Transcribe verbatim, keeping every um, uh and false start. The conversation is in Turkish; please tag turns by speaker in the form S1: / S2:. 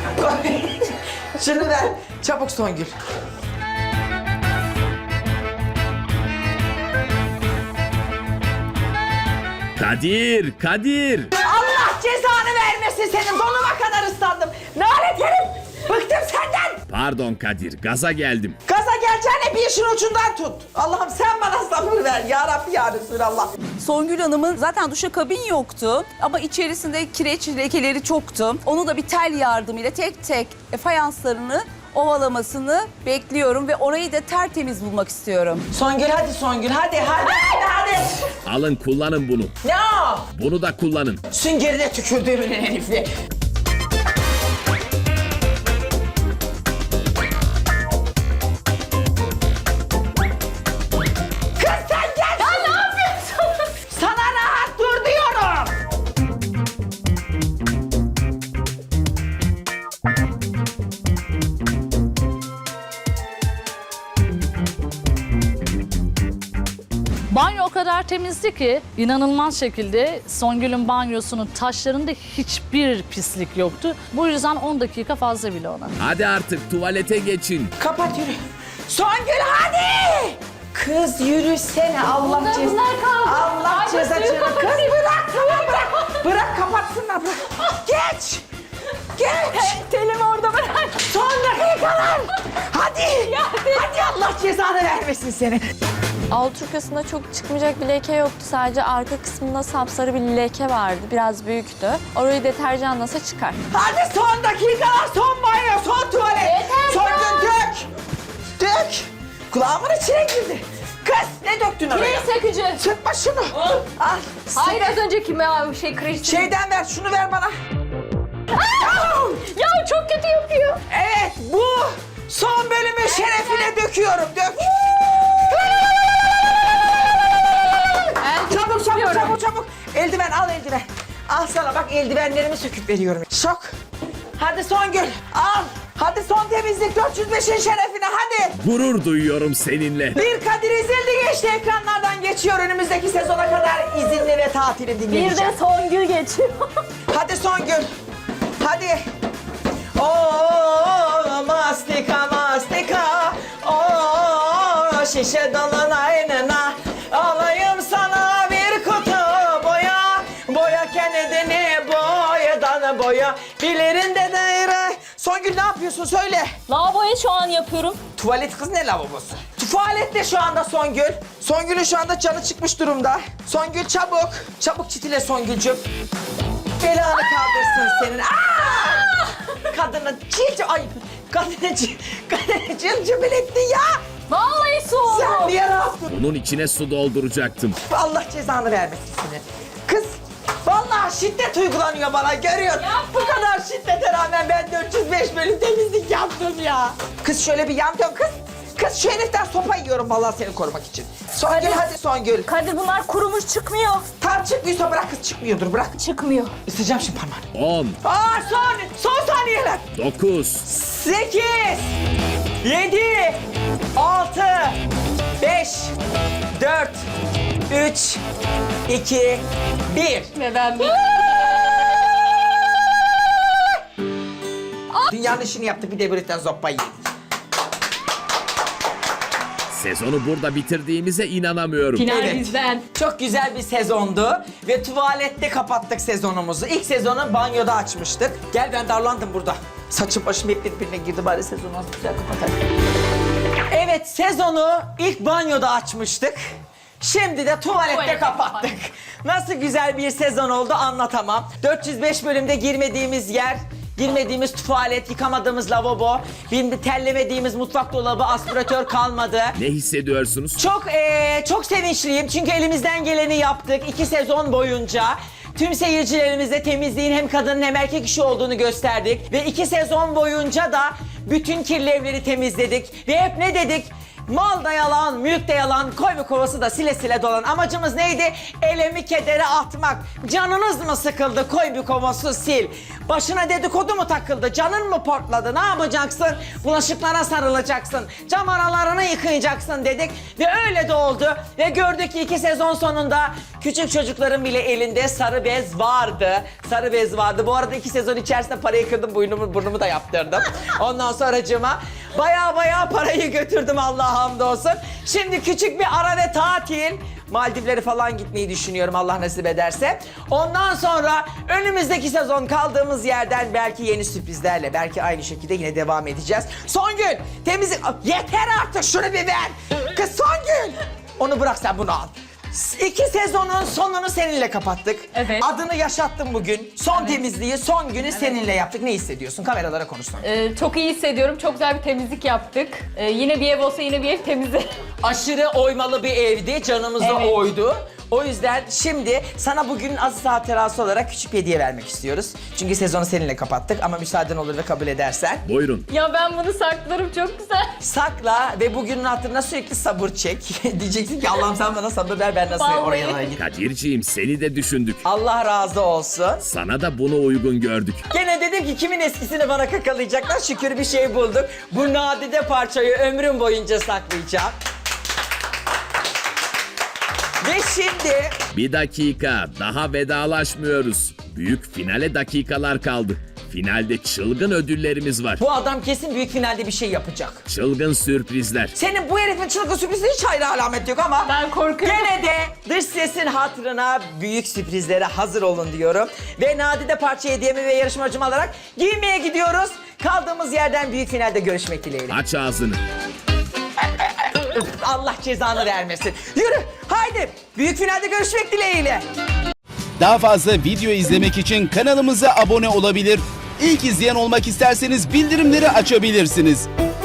S1: Şunu ver. Çabuk Songül.
S2: Kadir, Kadir.
S1: Allah cezanı vermesin senin. Donuma kadar ıslandım. Lanet herif. Bıktım senden.
S2: Pardon Kadir, gaza geldim.
S1: Gaza geleceğine bir işin ucundan tut. Allah'ım sen bana sabır ver. Ya Rabbi ya Resulallah.
S3: Songül Hanım'ın zaten duşakabin yoktu ama içerisinde kireç lekeleri çoktu. Onu da bir tel yardımıyla tek tek fayanslarını ovalamasını bekliyorum ve orayı da tertemiz bulmak istiyorum.
S1: Songül hadi Songül hadi hadi hadi hadi.
S2: Alın kullanın bunu.
S1: Ne o?
S2: Bunu da kullanın.
S1: Süngerine tükürdüğümün herifi. Kız sen gel. Ya ne yapıyorsun? Sana rahat dur diyorum.
S4: Banyo o kadar temizdi ki inanılmaz şekilde Songül'ün banyosunun taşlarında hiçbir pislik yoktu. Bu yüzden on dakika fazla bile ona.
S2: Hadi artık tuvalete geçin.
S1: Kapat yürü. Songül hadi. Kız yürüsene Allah
S4: Bunlar-
S1: ceza.
S4: bunlar kaldı.
S1: Allah
S4: Ay,
S1: ceza.
S4: suyu
S1: Kız
S4: kapatayım.
S1: bırak tamam bırak. Bırak kapatsınlar bırak. Geç. Geç.
S4: Telimi orada bırak.
S1: Son dakikalar. Hadi. Hadi Allah cezanı vermesin seni.
S5: Alt hırkasında çok çıkmayacak bir leke yoktu. Sadece arka kısmında sapsarı bir leke vardı. Biraz büyüktü. Orayı deterjanlasa çıkar.
S1: Hadi son dakikalar, son banyo, son tuvalet.
S5: Yeter
S1: son
S5: ya.
S1: gün dök. Dök. Kulağımın içine girdi. Kız ne döktün oraya?
S5: sökücü.
S1: Sıkma şunu. Al.
S5: Hayır az önceki mi şey kreş.
S1: Şeyden ver, şunu ver bana.
S5: Ya çok kötü yapıyor.
S1: Evet, bu son bölümün şerefine döküyorum. Dök. Çabuk, çabuk, çabuk, çabuk. Eldiven, al eldiven. Al sana bak, eldivenlerimi söküp veriyorum. Şok. Hadi Songül, al. Hadi son temizlik dört yüz beşin şerefine, hadi.
S2: Gurur duyuyorum seninle.
S1: Bir Kadir izildi geçti, ekranlardan geçiyor. Önümüzdeki sezona kadar izinli ve tatili dinleyeceğim.
S5: Songül geçiyor.
S1: Hadi Songül. Hadi. Oo mastika mastika. Oo şişe dalın aynına. Alayım sana bir kutu boya. Boya kendini boyadan boya. Bilirinde daire. Songül ne yapıyorsun söyle.
S5: Lavaboyu şu an yapıyorum.
S1: Tuvalet kız ne lavabosu? Tuvalette şu anda Songül. Songül'ün şu anda canı çıkmış durumda. Songül çabuk. Çabuk çitile Songül'cüm. Belanı kaldırsın senin. Aa! Kadını cilci... Ay kadını cil... Kadını cilcimil ettin ya.
S5: Vallahi soğudu.
S1: Sen niye rahatsın?
S2: Bunun içine su dolduracaktım.
S1: Allah cezanı vermesin seni. Kız vallahi şiddet uygulanıyor bana görüyorsun. Bu kadar şiddete rağmen ben dört yüz beş bölüm temizlik yaptım ya. Kız şöyle bir yan dön kız. Kız şu heriften sopa yiyorum vallahi seni korumak için. Songül hadi Songül.
S5: Kadir bunlar kurumuş çıkmıyor.
S1: Tam çıkmıyorsa bırak kız çıkmıyordur bırak.
S5: Çıkmıyor.
S1: Isıracağım şimdi parmağını.
S2: on,
S1: Aa son, son saniyeler.
S2: dokuz,
S1: Sekiz, yedi, altı, beş, dört, üç, iki, bir.
S5: Ve ben bir...
S1: Dünyanın işini yaptı bir de birlikten zoppa yedi.
S2: sezonu burada bitirdiğimize inanamıyorum.
S5: Final
S1: Evet.
S5: bizden.
S1: Çok güzel bir sezondu ve tuvalette kapattık sezonumuzu. İlk sezonu banyoda açmıştık. Gel ben darlandım burada. Saçım başım hep birbirine girdi bari sezonu az güzel kapatalım. Evet sezonu ilk banyoda açmıştık. Şimdi de tuvalette
S5: Tuvalette
S1: kapattık. Nasıl güzel bir sezon oldu anlatamam. dört yüz beş bölümde girmediğimiz yer, girmediğimiz tuvalet, yıkamadığımız lavabo, bir terlemediğimiz mutfak dolabı, aspiratör kalmadı.
S2: Ne hissediyorsunuz?
S1: Çok eee, çok sevinçliyim çünkü elimizden geleni yaptık iki sezon boyunca. Tüm seyircilerimize temizliğin hem kadın hem erkek işi olduğunu gösterdik. Ve iki sezon boyunca da bütün kirli evleri temizledik. Ve hep ne dedik? Mal da yalan, mülk de yalan, koy ve kovası da sile sile dolan. Amacımız neydi? Elemi kedere atmak. Canınız mı sıkıldı? Koy bir kovası sil. Başına dedikodu mu takıldı? Canın mı portladı? Ne yapacaksın? Bulaşıklara sarılacaksın. Cam aralarını yıkayacaksın dedik. Ve öyle de oldu. Ve gördük ki iki sezon sonunda küçük çocukların bile elinde sarı bez vardı. Sarı bez vardı. Bu arada iki sezon içerisinde parayı kırdım. Burnumu, burnumu da yaptırdım. Ondan sonracığıma baya baya parayı götürdüm, Allah'a hamdolsun. Şimdi küçük bir ara ve tatil. Maldivlere falan gitmeyi düşünüyorum Allah nasip ederse. Ondan sonra önümüzdeki sezon kaldığımız yerden belki yeni sürprizlerle, belki aynı şekilde yine devam edeceğiz. Songül, temizlik... Yeter artık, şunu bir ver. Kız Songül! Onu bırak, sen bunu al. İki sezonun sonunu seninle kapattık.
S6: Evet.
S1: Adını yaşattım bugün. Son temizliği, son günü seninle yaptık. Ne hissediyorsun? Kameralara konuşsun.
S6: Ee, çok iyi hissediyorum. Çok güzel bir temizlik yaptık. Ee, yine bir ev olsa yine bir ev temizi.
S1: Aşırı oymalı bir evdi, canımızda
S6: Evet.
S1: oydu. O yüzden şimdi sana bugün Aziz hatırası olarak küçük bir hediye vermek istiyoruz. Çünkü sezonu seninle kapattık ama müsaaden olur ve kabul edersen.
S2: Buyurun.
S6: Ya ben bunu saklarım, çok güzel.
S1: Sakla ve bugünün hatırına sürekli sabır çek. Diyeceksin ki Allah'ım sen bana sabır ver, ben nasıl
S6: Vallahi.
S1: oraya oraya gideyim.
S2: Kadirciğim seni de düşündük.
S1: Allah razı olsun.
S2: Sana da bunu uygun gördük.
S1: Gene dedim ki kimin eskisini bana kakalayacaklar, şükür bir şey bulduk. Bu nadide parçayı ömrüm boyunca saklayacağım. Ve şimdi
S2: Bir dakika, daha vedalaşmıyoruz. Büyük finale dakikalar kaldı. Finalde çılgın ödüllerimiz var.
S1: bu adam kesin büyük finalde bir şey yapacak.
S2: Çılgın sürprizler.
S1: Senin bu herifin çılgın sürprizi hiç hayra alamet yok ama...
S6: Ben korkuyorum.
S1: Gene de dış sesin hatırına büyük sürprizlere hazır olun diyorum. Ve nadide parça hediyemi ve yarışmacımı alarak giymeye gidiyoruz. Kaldığımız yerden büyük finalde görüşmek dileğiyle.
S2: Aç ağzını.
S1: Allah cezanı vermesin. Yürü haydi büyük finalde görüşmek dileğiyle.
S7: Daha fazla video izlemek için kanalımıza abone olabilir. İlk izleyen olmak isterseniz bildirimleri açabilirsiniz.